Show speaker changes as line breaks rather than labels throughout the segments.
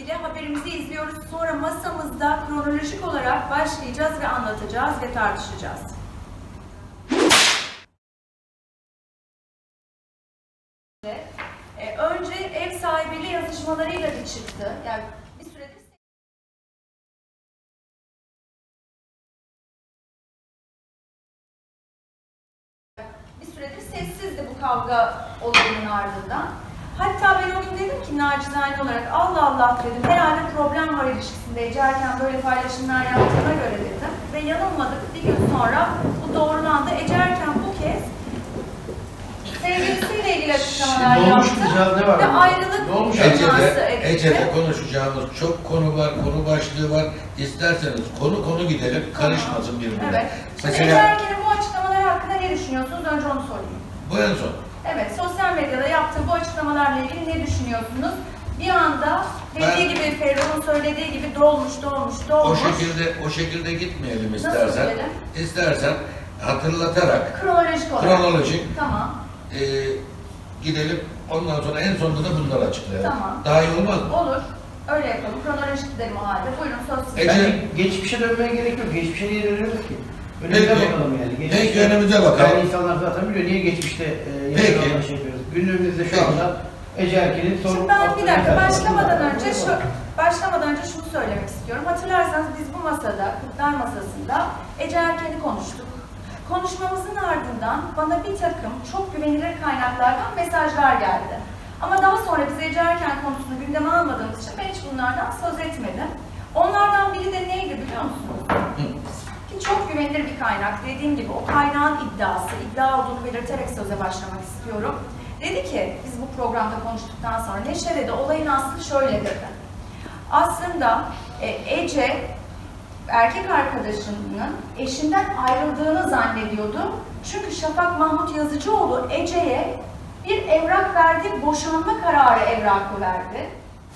ilgili haberimizi izliyoruz. Sonra masamızda kronolojik olarak başlayacağız ve anlatacağız ve tartışacağız. Önce ev sahibiyle yazışmalarıyla bir çıktı. Yani bir süredir sessizdi bu kavga olayının ardından. Hatta ben o gün dedim ki nacizane olarak Allah Allah dedim, herhalde problem var ilişkisinde Ece Erken böyle paylaşımlar yaptığına göre dedim. Ve yanılmadık, bir gün sonra bu doğrulandı. Ece Erken bu kez sevgilisiyle ilgili açıklamalar yaptı ve ayrılık teması etti.
Ece'de konuşacağımız çok konu var, konu başlığı var. İsterseniz konu gidelim, karışmasın birbirine.
Evet. Mesela Ece Erken'in bu açıklamalar hakkında ne düşünüyorsunuz? Önce onu sorayım.
Bu en son.
Evet, sosyal medyada yaptığı bu açıklamalarla ilgili ne düşünüyorsunuz? Bir anda dediği gibi, Ferruh'un söylediği gibi dolmuş.
O şekilde gitmeyelim istersen.
Nasıl gidelim?
İstersen hatırlatarak
Kronolojik olarak. Tamam.
Gidelim. Ondan sonra en sonunda da bunları açıklayalım.
Tamam.
Daha iyi olmaz mı?
Olur. Öyle yapalım. Kronolojik gidelim o halde. Buyurun söz size.
Ece,
geçmişe dönmeye gerek yok. Geçmişe niye dönüyoruz ki?
Peki,
Önümüze bakalım yani.
Peki önümüze bakalım.
Yani insanlar zaten biliyor niye geçmişte yaşananlar şey yapıyoruz. Günümüzde şu anda Ece Erken'in sorun...
Şimdi ben bir dakika başlamadan önce şunu söylemek istiyorum. Hatırlarsanız biz bu masada, Kırklar Masası'nda Ece Erken'i konuştuk. Konuşmamızın ardından bana bir takım çok güvenilir kaynaklardan mesajlar geldi. Ama daha sonra biz Ece Erken konusunu gündeme almadığımız için ben hiç bunlardan söz etmedim. Onlardan biri de neydi biliyor musunuz? Ki çok güvenilir bir kaynak. Dediğim gibi o kaynağın iddia olduğunu belirterek söze başlamak istiyorum. Dedi ki, biz bu programda konuştuktan sonra Neşe dedi, olayın aslı şöyle dedi. Aslında Ece, erkek arkadaşının eşinden ayrıldığını zannediyordu. Çünkü Şafak Mahmut Yazıcıoğlu Ece'ye bir evrak verdi, boşanma kararı evrakı verdi.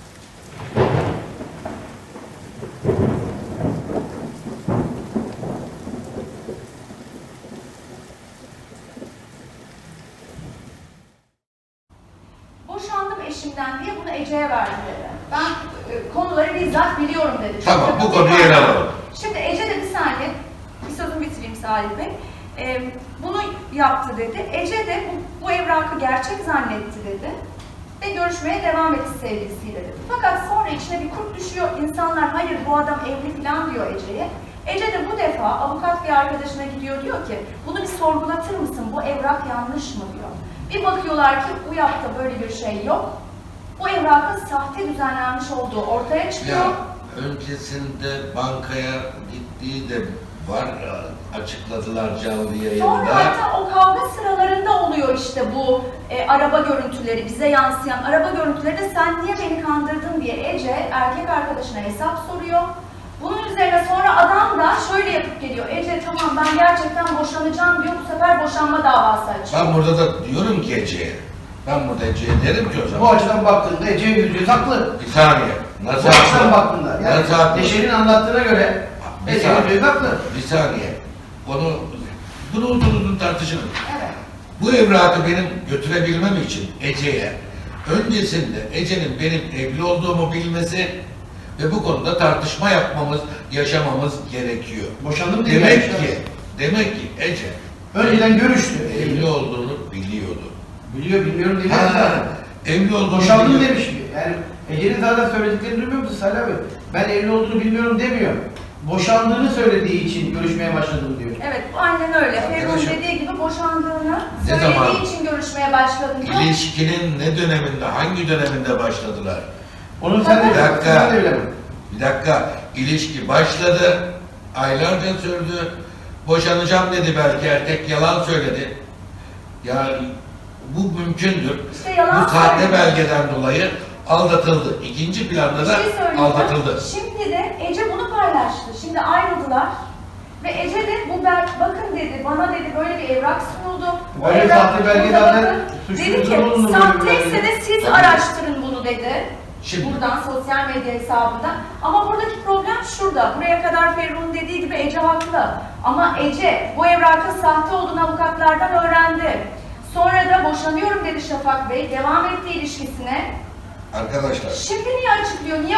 Boşandım eşimden diye bunu Ece'ye verdi dedi. Ben konuları bizzat biliyorum dedi.
Tamam, bu konuyu ele alalım.
Şimdi Ece de bir saniye, bir sözümü bitireyim Salih Bey. Bunu yaptı dedi. Ece de bu evrakı gerçek zannetti dedi. Ve görüşmeye devam etti sevgilisiyle dedi. Fakat sonra içine bir kurt düşüyor. İnsanlar hayır bu adam evli falan diyor Ece'ye. Ece de bu defa avukat bir arkadaşına gidiyor, diyor ki bunu bir sorgulatır mısın, bu evrak yanlış mı diyor. Bir bakıyorlar ki bu yapta böyle bir şey yok. Bu evrakın sahte düzenlenmiş olduğu ortaya çıkıyor.
Ya, öncesinde bankaya gittiği de var, açıkladılar canlı yayında.
Sonra hatta o kavga sıralarında oluyor işte bu araba görüntüleri, bize yansıyan araba görüntüleri de sen niye beni kandırdın diye Ece erkek arkadaşına hesap soruyor. Bunun üzerine sonra adam da şöyle yapıp geliyor. Ece tamam ben gerçekten boşanacağım diyor. Bu sefer boşanma davası açıyor.
Ben burada da diyorum ki Ece'ye. Ben burada Ece'ye derim ki o zaman.
Bu açıdan baktığında Ece yüzü haklı.
Bir saniye. Nasıl
Bu açıdan
haklı?
baktığında. Yani
Nasıl haklı?
Neşe'nin anlattığına göre Ece yüzü haklı.
Bir saniye. Bunu uzun tartışalım.
Evet.
Bu evrakı benim götürebilmem için Ece'ye öncesinde Ece'nin benim evli olduğumu bilmesi ve bu konuda tartışma yaşamamız gerekiyor.
Boşandım diye.
Demek ki Ece
önceden görüştü.
evli olduğunu biliyordu.
Biliyor bilmiyorum diye.
Evli olduğunu
Boşandım
biliyor.
demiş ki. Yani Ece'nin zaten söylediklerini duymuyor musun Salih abi? Ben evli olduğunu bilmiyorum demiyor. Boşandığını söylediği için görüşmeye başladım diyor.
Evet, aynen öyle. Ferruh'un
Arkadaşım,
dediği gibi boşandığını
ne zaman?
söylediği için görüşmeye başladım diyor.
İlişkinin ne döneminde, hangi döneminde başladılar?
Onu sen de bilemem.
Bir dakika. İlişki başladı. Aylarca sürdü. Boşanacağım dedi belki erkek, yalan söyledi. Ya bu mümkündür.
İşte yalan
bu sahte
söyledi.
belgeden dolayı aldatıldı. İkinci planda da aldatıldı.
Şimdi de Ece bunu paylaştı. Şimdi ayrıldılar. Ve Ece de bakın dedi, bana dedi böyle bir evrak sunuldu.
Böyle sahte belge zaten suçlu
dedi ki,
durumunda
sahteyse de siz araştırın bunu dedi.
Şimdi.
Buradan, sosyal medya hesabından. Ama buradaki problem şurada. Buraya kadar Ferruh'un dediği gibi Ece haklı. Ama Ece bu evrakın sahte olduğunu avukatlardan öğrendi. Sonra da boşanıyorum dedi Şafak Bey. Devam etti ilişkisine.
Arkadaşlar.
Şimdi niye açıklıyor? Niye o zaman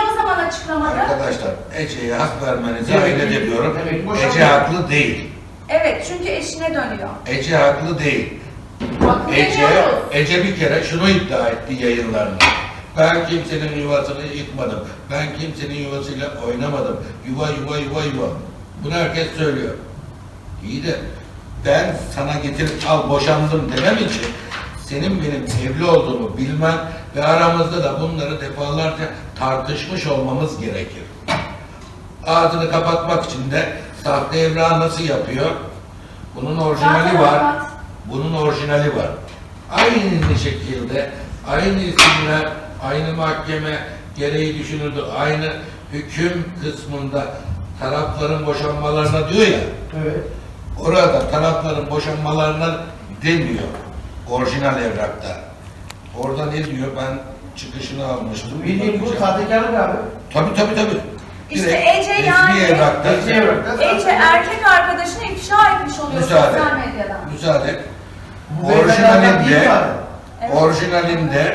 açıklamada...
Arkadaşlar, Ece'ye hak vermenizi
Evet,
hayret ediyorum.
evet, boşanma.
Ece haklı değil.
Evet, çünkü eşine dönüyor.
Ece haklı değil.
Haklı demiyoruz.
Ece bir kere şunu iddia etti yayınlarında. Ben kimsenin yuvasını yıkmadım. Ben kimsenin yuvasıyla oynamadım. Yuva. Bunu herkes söylüyor. İyi de ben sana getirip al boşandım demem için senin benim evli olduğumu bilmen ve aramızda da bunları defalarca tartışmış olmamız gerekir. Ağzını kapatmak için de sahte evrağı nasıl yapıyor? Bunun orijinali
Zaten
var.
avukat.
Bunun orijinali var. Aynı şekilde, aynı isimler, aynı mahkeme gereği düşünüldü. Aynı hüküm kısmında tarafların boşanmalarına diyor ya,
Evet.
orada tarafların boşanmalarına demiyor orijinal evrakta. Orada ne diyor? Ben çıkışını almıştım.
Bildiğin bu
Bakacağım.
sahtekarlık abi.
Tabii.
İşte
Direkt
Ece
resmi
yani-
evrakta.
Resmi evrakta.
Ece erkek arkadaşını ifşa etmiş oluyor
Müsaade.
sosyal medyadan.
Müsaade.
Bu beyefendi avukat değil mi abi?
Evet.
Orijinalinde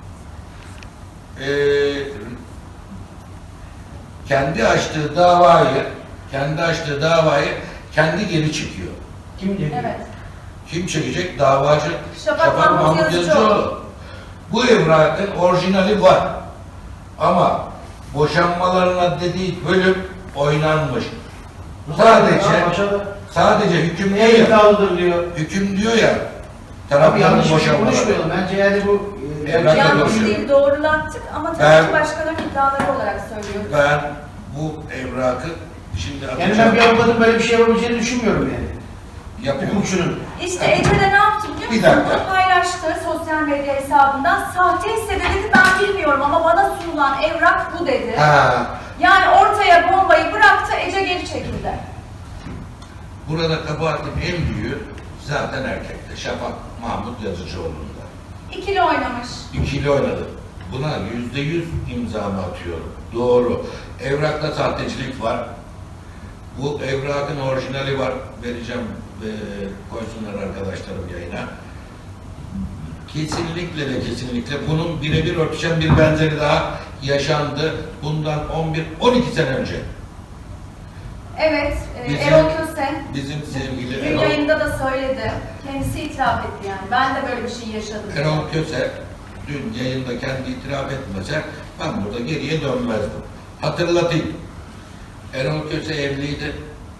kendi açtığı davayı kendi geri çekiyor.
Kim diyor?
Evet.
Kim çekecek? Davacı
Şafak Mahmut Yazıcıoğlu.
Bu evrakın orijinali var. Ama boşanmalarına dediği bölüm oynanmış. Sadece hüküm diyor
Ne
ya.
iddialıdır diyor.
Hüküm diyor ya.
Abi
Tarafların
yanlış bir şey
boşanmaları.
konuşmayalım. Bence yani bu
Evrak
gerçek-
da
Yanlış
konuşuyor.
değil, doğrulattık ama tabii
Ben-
ki başkalarının iddiaları olarak söylüyoruz.
Ben bu evrakı şimdi
Yani ben
atacağım.
bir avukatın böyle bir şey yapabileceğini düşünmüyorum yani.
Yapıyorum.
Hukukçunun.
İşte Ece de ne yaptı biliyor
Bir
musun?
dakika.
Bunu paylaştı sosyal medya hesabından. Sahteyse de dedi ben bilmiyorum ama bana sunulan evrak bu dedi.
Ha,
Yani ortaya bombayı bıraktı, Ece geri çekildi.
burada kabahatin en büyüğü zaten erkekte. Şafak Mahmut Yazıcıoğlu'nda.
İkili oynamış.
İkili oynadı. Buna %100 imzamı atıyorum. Doğru. Evrakta sahtecilik var. Bu evrakın orijinali var. Vereceğim koysunlar arkadaşlarım yayına. Kesinlikle bunun birebir örtüşen bir benzeri daha yaşandı. Bundan 11-12 sene önce.
Evet,
Bizim-
Erol Köse
Bizim sevgili
dün yayında da söyledi. Kendisi itiraf etti yani. Ben de böyle bir şey yaşadım.
Erol Köse dün yayında kendi itiraf etmese ben burada geriye dönmezdim. Hatırlatayım. Erol Köse evliydi.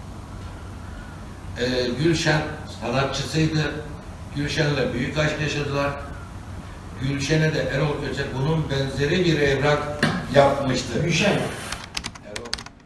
Gülşen sanatçısıydı. Gülşen'le büyük aşk yaşadılar. Gülşen'e de Erol Köse bunun benzeri bir evrak yapmıştı.
Gülşen.
Erol.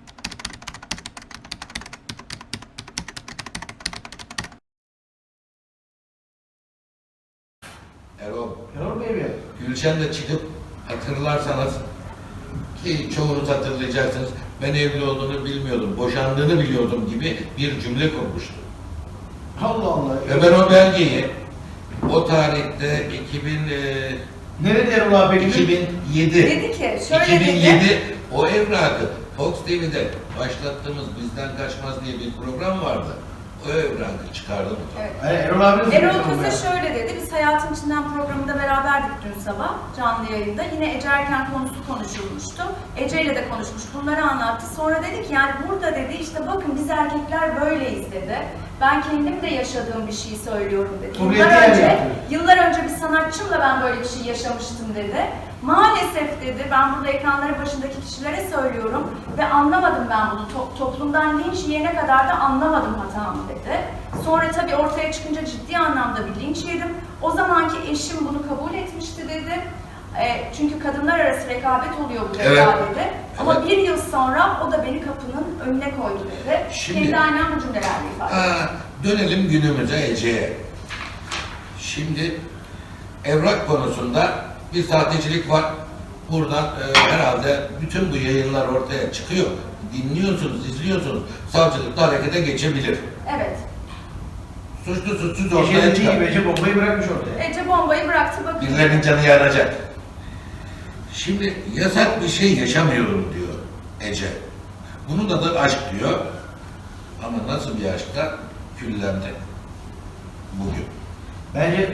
Erol Bey mi?
Gülşen de çıkıp hatırlarsanız ki çoğunuz hatırlayacaksınız ben evli olduğunu bilmiyordum, boşandığını biliyordum gibi bir cümle kurmuştu.
Allah Allah.
Ve ben o belgeyi o tarihte
Nerede Erol abi peki?
2007
Dedi ki, şöyle
2007
dedi.
o evrakı Fox TV'de başlattığımız Bizden Kaçmaz diye bir program vardı. O evrakı çıkardım.
Evet.
Hayır, Erol abi nasıl
Erol
yapıyor
Köse
bunu?
şöyle dedi, biz Hayatın İçinden programında beraberdik dün sabah canlı yayında. Yine Ece Erken konusu konuşulmuştu. Ece ile de konuşmuş, bunları anlattı. Sonra dedi ki yani burada dedi işte bakın biz erkekler böyleyiz dedi. Ben kendim de yaşadığım bir şeyi söylüyorum dedi. Yıllar önce bir sanatçımla ben böyle bir şey yaşamıştım dedi. Maalesef dedi, ben burada ekranların başındaki kişilere söylüyorum ve anlamadım ben bunu. Toplumdan linç yiyene kadar da anlamadım hatamı dedi. Sonra tabii ortaya çıkınca ciddi anlamda bir linç yedim. O zamanki eşim bunu kabul etmişti dedi. Çünkü kadınlar arası rekabet oluyor bu
Evet.
rekabette. Ama
Evet.
bir yıl sonra o da beni kapının önüne koydu dedi.
Şimdi-
Kendi annem bu cümlelerle ifade etti.
Dönelim günümüze Ece'ye. Şimdi evrak konusunda bir sahtecilik var. Buradan herhalde bütün bu yayınlar ortaya çıkıyor. Dinliyorsunuz, izliyorsunuz. Savcılıkta harekete geçebilir.
Evet.
Suçlu suçsuz ortaya
Ece'nin
çıkar.
gibi Ece bombayı bırakmış ortaya.
Ece bombayı bıraktı bakın.
Birilerinin canı yanacak. Şimdi yasak bir şey yaşamıyorum diyor Ece. Bunu da aşk diyor. Ama nasıl bir aşkta küllendi bugün.
Bence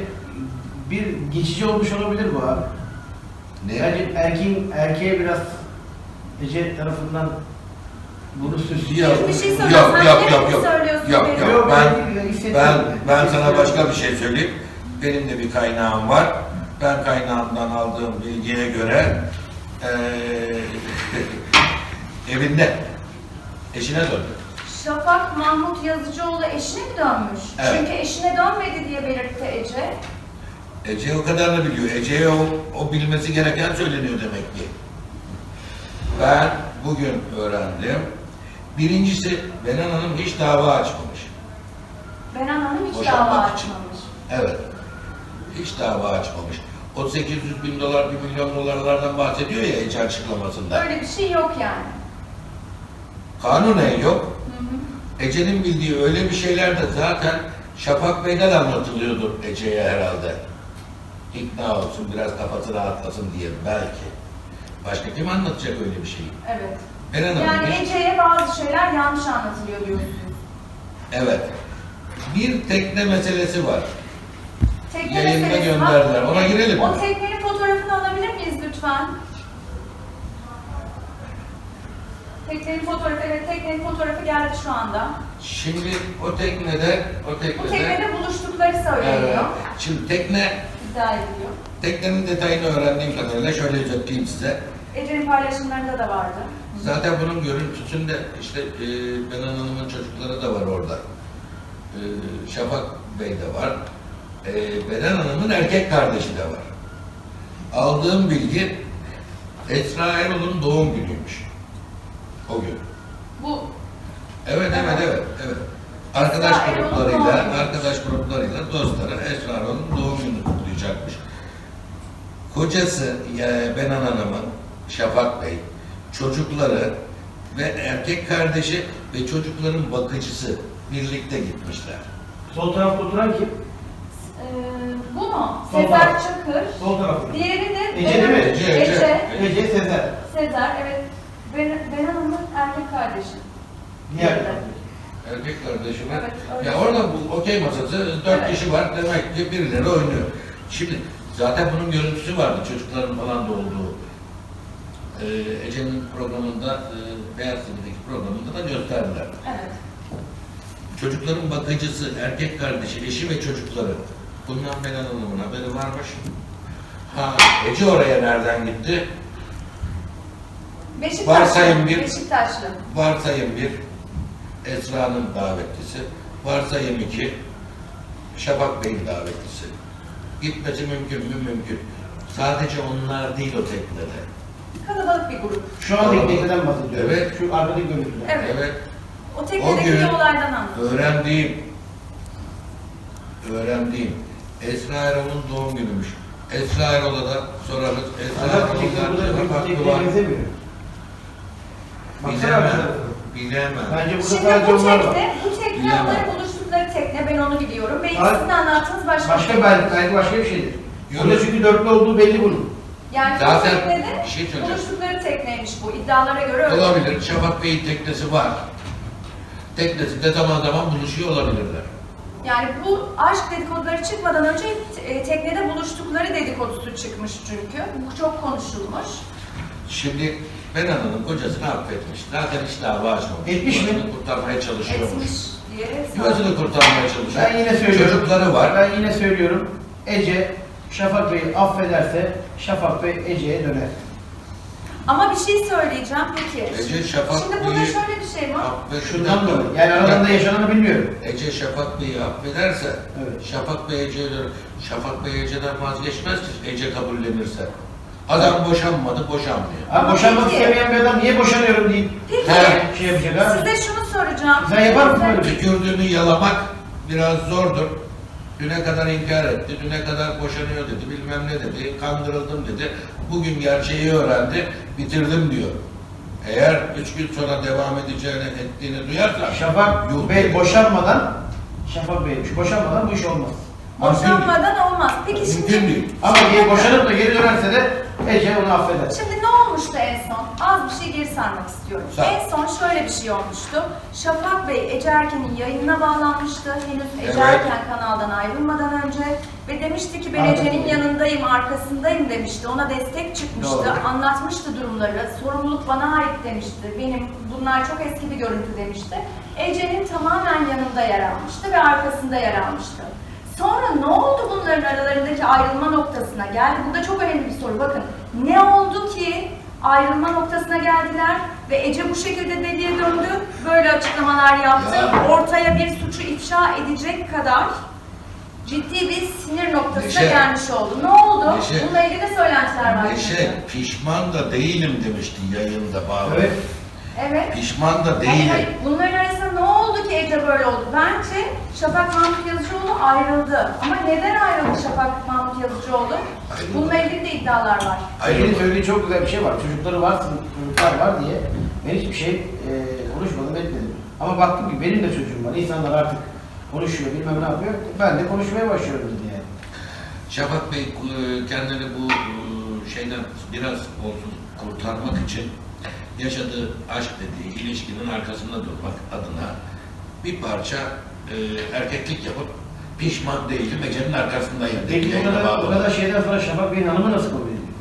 bir geçici olmuş olabilir bu abi.
Ne?
Bence erkeğe biraz Ece tarafından bunu süslüyor.
Yok,
Bir şey
yok,
söylüyorsun. Sen
yok,
ne
yok, yok.
söylüyorsun
Yok,
benim?
yok. Ben sana
Hissediyorum.
başka bir şey söyleyeyim. Benim de bir kaynağım var. Ben kaynağımdan aldığım bilgiye göre evinde eşine döndü.
Şafak Mahmut Yazıcıoğlu eşine mi dönmüş?
Evet.
Çünkü eşine dönmedi diye belirtti Ece.
Ece o kadarını biliyor. Ece'ye o bilmesi gereken söyleniyor demek ki. Ben bugün öğrendim. Birincisi Benan Hanım hiç dava açmamış.
Benan Hanım hiç
Boşanmak
dava
için.
açmamış.
Evet. Hiç dava açmamış. O 800 bin dolar, 1 milyon dolarlardan bahsediyor ya Ece açıklamasında.
Öyle bir şey yok yani.
Kanunen yok.
Hı hı.
Ece'nin bildiği öyle bir şeyler de zaten Şafak Bey'den anlatılıyordur Ece'ye herhalde. İkna olsun, biraz kafası rahatlasın diye belki. Başka kim anlatacak öyle bir şeyi?
Evet.
Benan Hanım
Yani
hiç-
Ece'ye bazı şeyler yanlış anlatılıyor diyorsunuz.
Evet. Bir tekne meselesi var.
Tekne
Yayında
meselesi var.
gönderdiler. Ona girelim
O
mi?
teknenin fotoğrafını alabilir miyiz lütfen? Teknenin fotoğrafı, evet teknenin fotoğrafı geldi şu anda.
Şimdi o teknede
Bu teknede buluştukları söyleniyor.
evet. Şimdi
İddia ediliyor.
teknenin detayını öğrendiğim kadarıyla şöyle özetleyeyim size.
Ece'nin paylaşımlarında da vardı.
Zaten bunun görüntüsünde işte Benan Hanım'ın çocukları da var orada. Şafak Bey de var. Benan Hanım'ın erkek kardeşi de var. Aldığım bilgi Esra Erol'un doğum günüymüş. O gün.
Bu
Evet. Arkadaş
Esra Erol'un doğum
gruplarıyla dostları Esra Erol'un doğum gününü kutlayacakmış. Kocası Benan Hanım'ın, Şafak Bey, çocukları ve erkek kardeşi ve çocukların bakıcısı birlikte gitmişler.
Sol tarafta oturan kim?
bu mu?
Sol
Sezer
taraf.
Çakır.
Sol tarafta.
Diğeri de
Ece değil mi?
Ece.
Ece Sezer.
Sezer, evet. Benan Hanım'ın erkek kardeşi.
Diğer
Evet.
taraftaki.
Erkek kardeşi var.
Evet, öyle.
Ya orada bu okey masası 4
Evet.
kişi var demek ki birileri oynuyor. Şimdi zaten bunun görüntüsü vardı çocukların falan da olduğu. Ece'nin programında, Beyaz TV'deki programında da gösterdiler.
Evet.
Çocukların bakıcısı, erkek kardeşi, eşi ve çocukları. Bundan Benan Hanım'ın haberi varmış. Ha, Ece oraya nereden gitti? Varsayım bir-
Beşiktaşlı.
Varsayım 1, Esra'nın davetlisi. Varsayım 2, Şafak Bey'in davetlisi. Gitmesi mümkün mü? Mümkün. Sadece onlar değil o teknede.
Kalabalık bir grup.
Şu an tekneden bahsediyorum.
Evet.
Şu arkadaki görüntüler.
Evet.
Evet.
O teknedeki
O gün
olaydan anladım.
öğrendiğim Esra Erol'un doğum günümüş. Esra Erol'a da sorarız. Esra
Adam
Erol'dan
tekneye
cevap hakkı
tekneye
var.
benzemiyor. Baksana
Bilemem.
arkadaşlar.
Bilemem.
Bence burada
Şimdi
sadece
bu
onlar var.
tekne
Bilemem.
onların buluştukları tekne, ben onu biliyorum. Belki
Hayır.
sizin anlattığınız başka bir
Başka
şey.
belki başka bir şeydir.
Yok.
Burada çünkü dörtlü olduğu belli bunun.
Yani
Zaten
bu teknede
bir şey söyleyeceğim.
buluştukları tekneymiş bu. İddialara göre öyle.
Olabilir. Şafak Bey'in teknesi var. Teknesinde zaman zaman buluşuyor olabilirler.
Yani bu aşk dedikoduları çıkmadan önce teknede buluştukları dedikodusu çıkmış çünkü. Bu çok konuşulmuş.
Şimdi Benan Hanım kocasını affetmiş. Zaten hiç dava açmamış.
Etmiş mi?
Yuvasını kurtarmaya çalışıyormuş.
Etmiş diye.
Yuvasını kurtarmaya çalışıyor.
Ben yine söylüyorum.
Çocukları var.
Ben yine söylüyorum. Ece Şafak Bey'i affederse Şafak Bey Ece'ye döner.
Ama bir şey söyleyeceğim peki.
Ece Şafak
Şimdi burada
Bey'i
şöyle bir şey var.
Şundan dolayı. Yani aralarında yaşananı bilmiyorum.
Ece Şafak Bey'i affederse,
Evet.
Şafak Bey Ece'ye dönür. Şafak Bey Ece'den vazgeçmez ki Ece kabullenirse. Adam boşanmadı, boşanmıyor.
Abi boşanmak
Peki.
istemeyen bir adam niye boşanıyorum deyip
Peki.
şey yapacak abi?
Size şunu soracağım.
Sen yapar mısın böyle bir şey?
Tükürdüğünü yalamak biraz zordur. Düne kadar inkar etti, düne kadar boşanıyor dedi, bilmem ne dedi, kandırıldım dedi. Bugün gerçeği öğrendi, bitirdim diyor. Eğer 3 gün sonra devam edeceğini, ettiğini duyarsa...
Şafak
yuh
Bey
dedi.
boşanmadan boşanmadan bu iş olmaz.
Boşanmadan olmaz. Peki
Mümkün
şimdi
değil.
Ama boşanıp da geri dönerse de Ece onu affeder.
Şimdi ne olmuştu en son? Az bir şey geri sarmak istiyorum.
Sar.
En son şöyle bir şey olmuştu. Şafak Bey Ece Erken'in yayınına bağlanmıştı. Henüz Ece
Evet.
Erken kanaldan ayrılmadan önce. Ve demişti ki ben
Anladım.
Ece'nin yanındayım, arkasındayım demişti. Ona destek çıkmıştı.
Doğru.
Anlatmıştı durumları. Sorumluluk bana ait demişti. Bunlar çok eski bir görüntü demişti. Ece'nin tamamen yanında yer almıştı ve arkasında yer almıştı. Sonra ne oldu bunların aralarındaki ayrılma noktasına geldi? Burada çok önemli bir soru. Bakın ne oldu ki ayrılma noktasına geldiler ve Ece bu şekilde deliye döndü, böyle açıklamalar yaptı.
Ya.
Ortaya bir suçu ifşa edecek kadar ciddi bir sinir noktasına
Neşe.
gelmiş oldu. Ne oldu?
Neşe.
Bununla ilgili de söylentiler var.
Neşe, pişman da değilim demişti yayında bağlı.
Evet.
Evet.
Pişman da
Hayır,
değilim.
hayır. Bunların arasında ne oldu ki Ece böyle oldu? Bence Şafak Mahmut Yazıcıoğlu ayrıldı. Ama neden ayrıldı Şafak Mahmut Yazıcıoğlu?
Ayrıldı.
Bununla ilgili de iddialar var.
Ece'nin söylediği çok güzel bir şey var. Çocukları var, çocuklar var diye ben hiçbir şey konuşmadım, etmedim. Ama baktım ki benim de çocuğum var. İnsanlar artık konuşuyor, bilmem ne yapıyor. Ben de konuşmaya başlıyorum dedi yani.
Şafak Bey kendini bu şeyden biraz olsun kurtarmak için yaşadığı aşk dediği ilişkinin arkasında durmak adına bir parça erkeklik yapıp pişman değilim, Ece'nin arkasındayım dedi.
Peki o kadar şeyden sonra Şafak Bey'in hanımı nasıl kabul ediyor?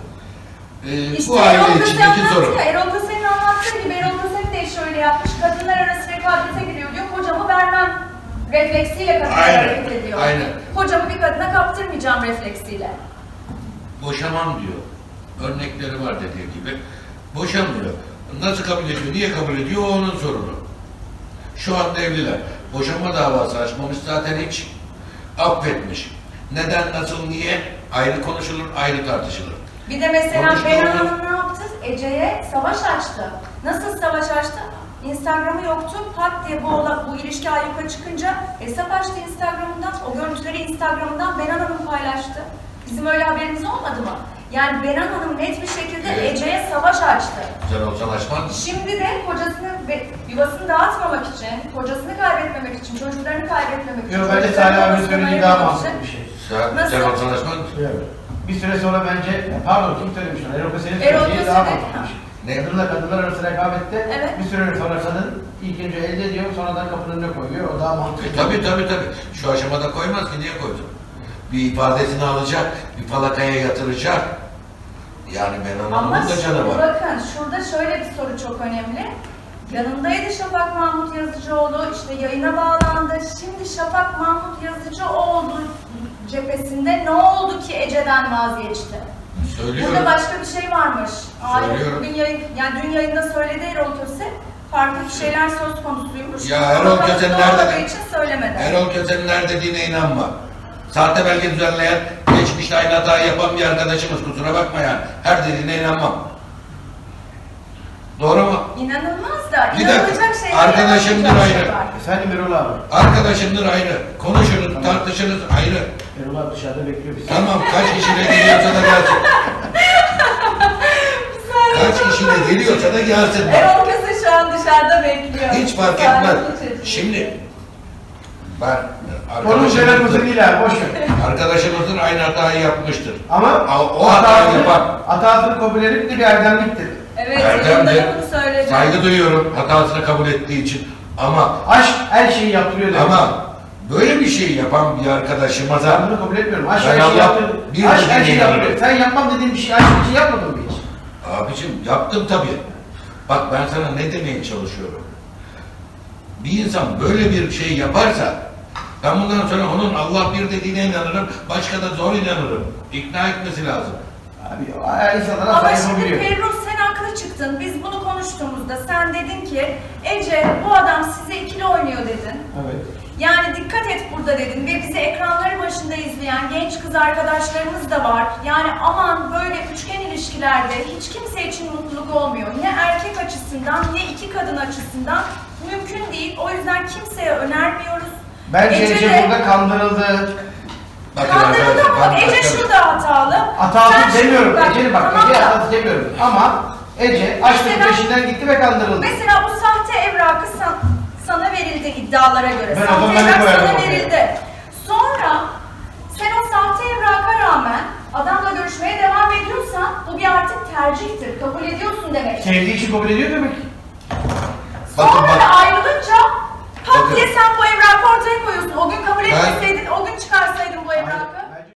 İşte
Bu aile
Erol Köse
içindeki sorun.
anlattı ya, Erol Köse'nin anlattığı gibi Erol Köse de şöyle yapmış, kadınlar arası rekabete giriyor diyor, kocamı vermem refleksiyle kadınlar
Aynen,
hareket ediyor.
aynen.
Kocamı bir kadına kaptırmayacağım refleksiyle.
Boşamam diyor. Örnekleri var dediği gibi. Boşamıyor. Nasıl kabul ediyor, niye kabul ediyor o onun sorunu. Şu anda evliler. Boşanma davası açmamış zaten hiç. Affetmiş. Neden, nasıl, niye? Ayrı konuşulur, ayrı tartışılır.
Bir de mesela
Konuştu
Benan
onu.
Hanım ne yaptı? Ece'ye savaş açtı. Nasıl savaş açtı? Instagram'ı yoktu. Pat diye bu ilişki ayyuka çıkınca hesap açtı Instagram'ından. O görüntüleri Instagram'dan Benan Hanım paylaştı. Bizim öyle haberimiz olmadı mı? Yani Benan Hanım net bir şekilde
Evet.
Ece'ye savaş açtı.
Sen olsan açmaz mısın?
Şimdi de kocasını ve yuvasını dağıtmamak için, kocasını kaybetmemek için, çocuklarını kaybetmemek için,
Yok bence
çocuklarını
Salih abinin
babasından
söylediği daha
ayırmamak
mantıklı
için-
bir şey.
Sen
Nasıl?
olsan açmaz mısın?
Bir süre sonra bence, pardon kim söylemiş onu? Erol Köse'nin
Erol
söylediği
Köse
daha
de-
mantıklı bir şey.
Ne?
Kadınla kadınlar arası rekabette
Evet.
bir süre sonra kadın ilk önce elde ediyor, sonradan kapının önüne koyuyor. O daha mantıklı.
Tabii. Şu aşamada koymaz ki, niye koysun? Bir ifadesini alacak, bir falakaya yatıracak. Yani Benan
Ama
Hanım'ın da canı var.
bakın şurada şöyle bir soru çok önemli. Yanındaydı Şafak Mahmut Yazıcıoğlu, işte yayına bağlandı. Şimdi Şafak Mahmut Yazıcıoğlu cephesinde ne oldu ki Ece'den vazgeçti?
Söylüyorum.
Burada başka bir şey varmış.
Söylüyorum.
Bugün dün yayında söyledi Erol Köse. Farklı bir şeyler söz konusuymuş.
Ya Erol
Ama
Köse
basın
nerede?
olmadığı için söylemedi.
Erol Köse'nin her dediğine inanma. Sahte belge düzenleyen, geçmişte aynı hatayı yapan bir arkadaşımız, kusura bakma yani. Her dediğine inanmam. Doğru mu?
İnanılmaz da,
Bir dakika,
inanılacak şeyler
arkadaşımdır
yapılacak
ayrı.
şey var.
Efendim Erol abi.
Arkadaşımdır ayrı. Konuşuruz, tartışırız ayrı.
Erol abi dışarıda bekliyor bizi.
Tamam, kaç kişiyle geliyorsa da gelsin. Kaç kişiyle geliyorsa da gelsin. bak.
Erol Köse şu an dışarıda bekliyor.
Hiç fark
Sakin
etmez.
çocuk.
Şimdi ben
Onun üzerine değil abi, boş ver.
arkadaşımızın aynı hatayı yapmıştır.
Ama
O hatayı yapan
hatasını kabul edip de bir erdemliktir.
Evet,
Erdem
yayında
de
da bunu söyledi.
saygı duyuyorum hatasını kabul ettiği için. Ama
Aşk her şeyi yaptırıyor demek.
böyle bir şey yapan bir arkadaşıma
Ben
da
bunu kabul etmiyorum. Aşk
Ben
her şeyi
Allah
yaptırıyor.
bir
Aşk her
dediğine
şeyi
inanıyorum.
yaptırıyor. Sen yapmam dediğin bir şey, aşk için yapmadın mı hiç?
abicim yaptım tabii. Bak ben sana ne demeye çalışıyorum. Bir insan böyle bir şey yaparsa ben bundan sonra onun Allah bir dediğine inanırım, başka da zor inanırım. İkna etmesi lazım.
Abi her insanlara
Ama
saygı
şimdi
biliyor.
Ferruh sen haklı çıktın. Biz bunu konuştuğumuzda sen dedin ki Ece bu adam size ikili oynuyor dedin.
Evet.
Yani dikkat et burada dedin ve bizi ekranları başında izleyen genç kız arkadaşlarımız da var. Yani aman böyle üçgen ilişkilerde hiç kimse için mutluluk olmuyor. Ne erkek açısından ne iki kadın açısından mümkün değil. O yüzden kimseye önermiyoruz.
Bence
Ece
Ece
de-
burada kandırıldı.
Bakın
Kandırıldı
arkadaşlar,
ama
ben
Ece
başka-
şurada hatalı.
Hatası
Sen
demiyorum.
şimdi-
Ece'nin bak,
tamam
Ece
da-
hatası demiyorum. Ama Ece aşkın
Mesela-
peşinden gitti ve kandırıldı.
Mesela bu sahte evrakı sana verildi iddialara göre.
Ben o
Sahte
zaman ne
evrak
koyarım
sana
oraya?
verildi. Sonra sen o sahte evraka rağmen adamla görüşmeye devam ediyorsan tercihtir. Kabul ediyorsun demek.
Sevdiği için kabul ediyor demek.
Bakın,
Sonra da ayrılınca pat
Bakın.
diye sen bu evrakı ortaya koyuyorsun. O gün kabul
Ben-
etmeseydin o gün çıkarsın